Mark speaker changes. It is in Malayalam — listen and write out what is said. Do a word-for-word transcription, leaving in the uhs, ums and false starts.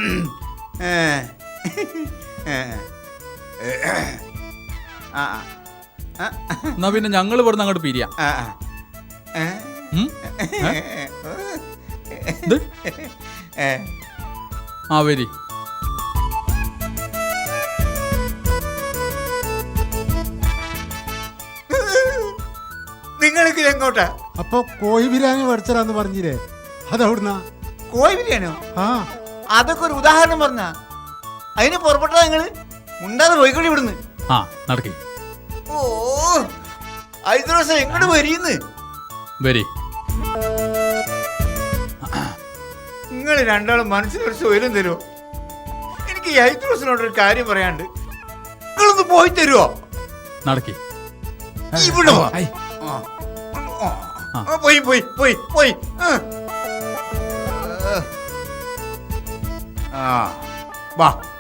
Speaker 1: എന്നാ പിന്നെ ഞങ്ങൾ ഇവിടുന്ന് അങ്ങോട്ട് പിരിയാം. ആ വരി.
Speaker 2: നിങ്ങൾക്ക് എങ്ങോട്ടാ?
Speaker 3: അപ്പൊ കോഴി ബിരിയാണി പഠിച്ചരാന്ന് പറഞ്ഞില്ലേ, അതവിടുന്ന?
Speaker 2: കോഴി ബിരിയാണിയോ?
Speaker 3: ആ,
Speaker 2: അതൊക്കെ ഒരു ഉദാഹരണം പറഞ്ഞ അതിന് പുറപ്പെട്ടതാ നിങ്ങള്. മുണ്ടാതെ പോയിക്കോളി ഇവിടുന്ന്.
Speaker 1: ആ നടക്കി.
Speaker 2: ഓ ഐదు ദിവസം എങ്ങോട്ട് വരീന്ന്
Speaker 1: വരി.
Speaker 2: നിങ്ങൾ രണ്ടാളും മനസ്സിലൊരു സ്വയം തരുമോ? എനിക്ക് ഈ ഐదు ദിവസത്തിനോടൊരു കാര്യം പറയാണ്ട്. നിങ്ങളൊന്ന് പോയി തരുമോ?
Speaker 1: നടക്കി.
Speaker 2: ഇവിടെ പോയി പോയി പോയി പോയി ആ വാ.